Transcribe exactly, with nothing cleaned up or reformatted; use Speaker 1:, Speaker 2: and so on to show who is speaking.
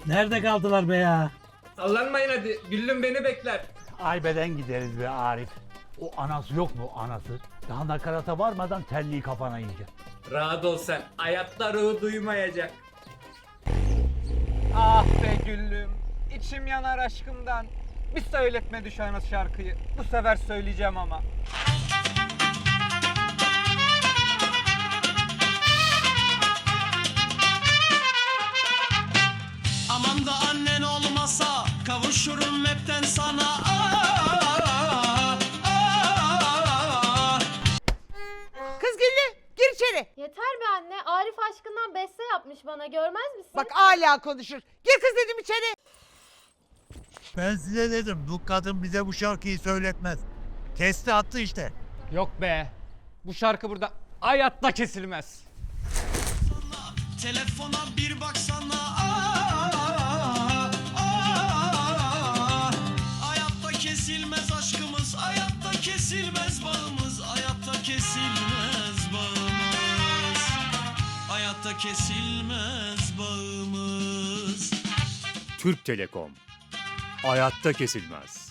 Speaker 1: Nerede kaldılar be ya?
Speaker 2: Sallanmayın hadi. Güllüm beni bekler.
Speaker 3: Aybe'den gideriz be Arif. O anası yok mu anası? Daha nakarata varmadan terliği kafana yiyecek.
Speaker 2: Rahat ol sen. Hayatta ruhu duymayacak.
Speaker 4: Ah be Güllüm. İçim yanar aşkımdan. Bir söyletme düşen şarkıyı. Bu sefer söyleyeceğim ama.
Speaker 5: Aman da annen olmasa kavuşurum hepten sana. Aa, aa.
Speaker 6: Kız Güllü gir içeri.
Speaker 7: Yeter be anne. Arif aşkından beste yapmış bana. Görmez misin?
Speaker 6: Bak hala konuşur. Gir kız dedim içeri.
Speaker 8: Ben size dedim bu kadın bize bu şarkıyı söyletmez. Kesti attı işte.
Speaker 4: Yok be. Bu şarkı burada hayatta kesilmez.
Speaker 5: Telefona bir baksana. Aa, aa. Hayatta kesilmez aşkımız, hayatta kesilmez bağımız, hayatta kesilmez bağımız, hayatta kesilmez bağımız.
Speaker 9: Türk Telekom hayatta kesilmez.